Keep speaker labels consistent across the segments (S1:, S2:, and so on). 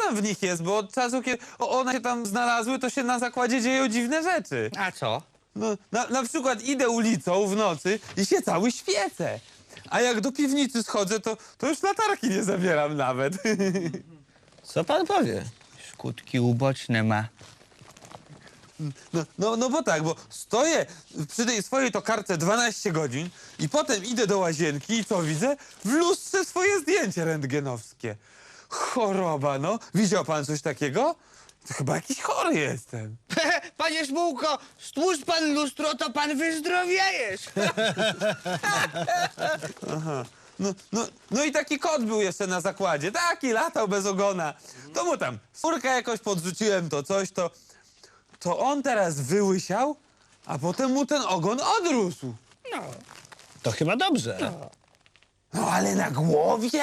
S1: tam w nich jest, bo od czasu, kiedy one się tam znalazły, to się na zakładzie dzieją dziwne rzeczy.
S2: A co?
S1: No, na przykład idę ulicą w nocy i się cały świecę. A jak do piwnicy schodzę, to już latarki nie zabieram nawet.
S3: Co pan powie?
S2: Skutki uboczne ma.
S1: No bo tak, bo stoję przy tej swojej tokarce 12 godzin i potem idę do łazienki i co widzę? W lustrze swoje zdjęcie rentgenowskie. Choroba, no. Widział pan coś takiego? To chyba jakiś chory jestem.
S2: Panie Szmułko, stłucz pan lustro, to pan wyzdrowiejesz.
S1: No i taki kot był jeszcze na zakładzie. Taki latał bez ogona. To mu tam furkę jakoś podrzuciłem, to coś, to on teraz wyłysiał, a potem mu ten ogon odrósł.
S3: To chyba dobrze.
S1: No ale na głowie?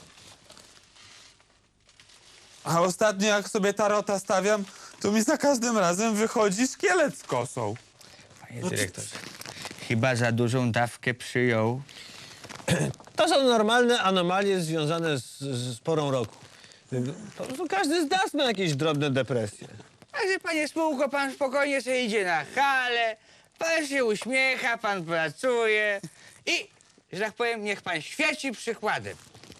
S1: A ostatnio jak sobie tarota stawiam, to mi za każdym razem wychodzi szkielet z kosą.
S2: Panie dyrektorze, chyba za dużą dawkę przyjął.
S3: To są normalne anomalie związane z porą roku. To każdy z nas ma jakieś drobne depresje.
S2: Także panie Szmułko, pan spokojnie sobie idzie na halę, pan się uśmiecha, pan pracuje i, że tak powiem, niech pan świeci przykładem.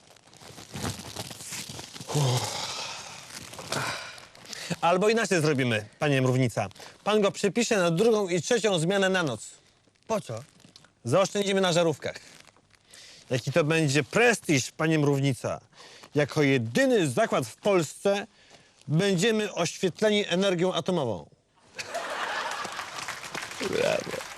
S3: Albo inaczej zrobimy, panie Mrównica. Pan go przepisze na 2. i 3. zmianę na noc.
S2: Po co?
S3: Zaoszczędzimy na żarówkach. Jaki to będzie prestiż, panie Mrównica. Jako jedyny zakład w Polsce będziemy oświetleni energią atomową.
S2: Brawo.